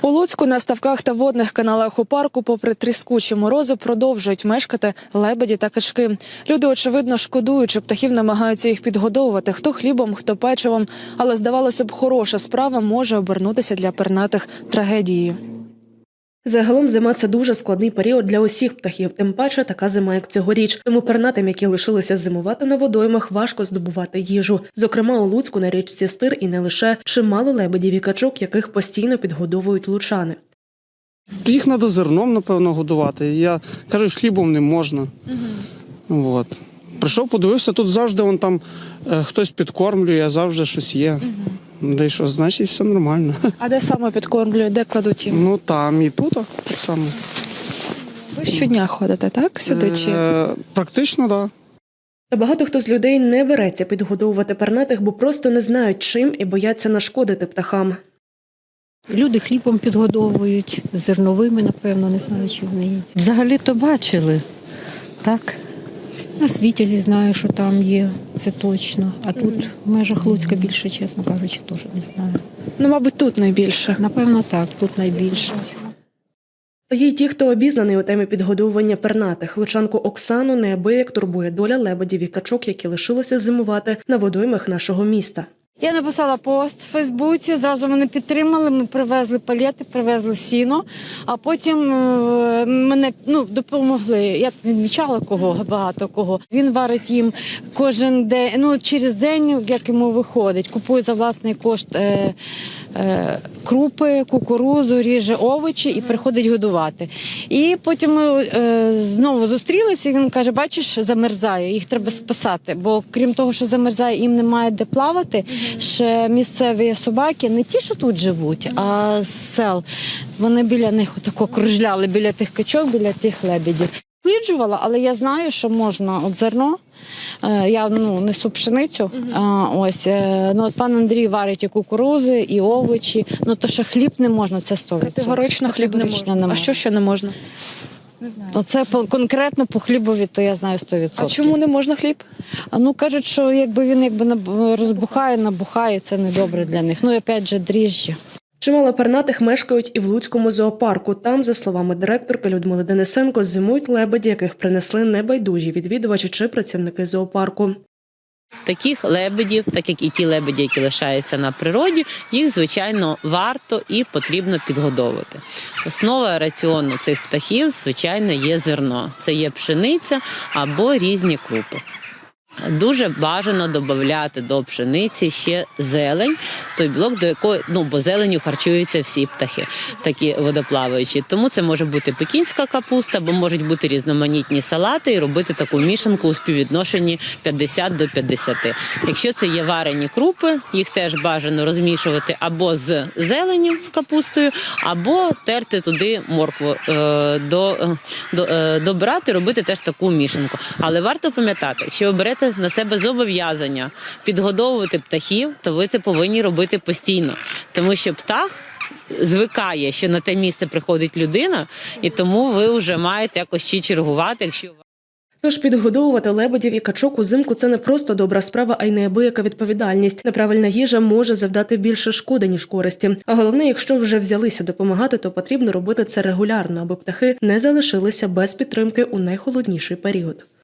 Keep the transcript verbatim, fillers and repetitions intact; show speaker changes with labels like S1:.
S1: У Луцьку на ставках та водних каналах у парку попри тріскучі морози продовжують мешкати лебеді та качки. Люди, очевидно, шкодуючи птахів, намагаються їх підгодовувати хто хлібом, хто печивом. Але, здавалося б, хороша справа може обернутися для пернатих трагедією. Загалом зима – це дуже складний період для усіх птахів, тим паче така зима, як цьогоріч. Тому пернатим, які лишилися зимувати на водоймах, важко здобувати їжу. Зокрема, у Луцьку на річці Стир і не лише чимало лебедів і качок, яких постійно підгодовують лучани.
S2: Їх треба зерном, напевно, годувати. Я кажу, хлібом не можна. Угу. От. Прийшов, подивився, тут завжди вон там е, хтось підкормлює, завжди щось є. Угу. Де й що, значить, все нормально.
S1: А де саме підкормлюють, де кладуть їм?
S2: Ну там і тут так само.
S1: Ви щодня ходите, так, сюди? Чи?
S2: Е, практично, так. Да.
S1: Та багато хто з людей не береться підгодовувати пернатих, бо просто не знають чим і бояться нашкодити птахам.
S3: Люди хлібом підгодовують, зерновими, напевно, не знаю, чи вони є.
S4: Взагалі-то бачили, так?
S3: На Світязі знаю, що там є, це точно. А тут в межах Луцька більше, чесно кажучи, теж не знаю.
S1: Ну, мабуть, тут найбільше.
S3: Напевно, так, тут найбільше.
S1: То є й ті, хто обізнаний у темі підгодовування пернатих. Лучанку Оксану неабияк турбує доля лебедів і качок, які лишилися зимувати на водоймах нашого міста.
S5: Я написала пост в Фейсбуці, зразу мене підтримали, ми привезли палети, привезли сіно, а потім мене ну, допомогли. Я відмічала кого, багато кого. Він варить їм кожен день, ну через день, як йому виходить, купує за власний кошт е, е, крупи, кукурудзу, ріже овочі і приходить годувати. І потім ми е, знову зустрілися, і він каже, бачиш, замерзає, їх треба спасати, бо крім того, що замерзає, їм немає де плавати. Ще місцеві собаки, не ті, що тут живуть, а з сел. Вони біля них отако кружляли, біля тих качок, біля тих лебедів. Сліджувала, але я знаю, що можна от зерно. Я ну, несу пшеницю. А, ось, ну, от пан Андрій варить і кукурузи, і овочі. Ну, то, що хліб не можна, це сто відсотків.
S1: Категорично хліб не можна.
S5: не можна.
S1: А що ще не можна? Не знаю.
S5: То це по, конкретно по хлібові, то я знаю сто відсотків.
S1: А чому не можна хліб?
S5: А ну кажуть, що якби він якби розбухає, набухає, це не добре для них. Ну і опять же дріжджі.
S1: Чимало пернатих мешкають і в Луцькому зоопарку. Там, за словами директорки Людмили Денисенко, зимують лебеді, яких принесли небайдужі відвідувачі чи працівники зоопарку.
S6: Таких лебедів, так як і ті лебеді, які лишаються на природі, їх, звичайно, варто і потрібно підгодовувати. Основа раціону цих птахів, звичайно, є зерно. Це є пшениця або різні крупи. Дуже бажано додати до пшениці ще зелень, той білок, до якої, ну, бо зеленню харчуються всі птахи, такі водоплаваючі. Тому це може бути пекінська капуста, або можуть бути різноманітні салати і робити таку мішанку у співвідношенні п'ятдесят до п'ятдесяти. Якщо це є варені крупи, їх теж бажано розмішувати або з зеленню, з капустою, або терти туди моркву, до, до, добирати, робити теж таку мішанку. Але варто пам'ятати, якщо ви берете на себе зобов'язання підгодовувати птахів, то ви це повинні робити постійно. Тому що птах звикає, що на те місце приходить людина, і тому ви вже маєте якось ще чергувати, якщо...
S1: Тож підгодовувати лебедів і качок узимку – це не просто добра справа, а й неабияка відповідальність. Неправильна їжа може завдати більше шкоди, ніж користі. А головне, якщо вже взялися допомагати, то потрібно робити це регулярно, аби птахи не залишилися без підтримки у найхолодніший період.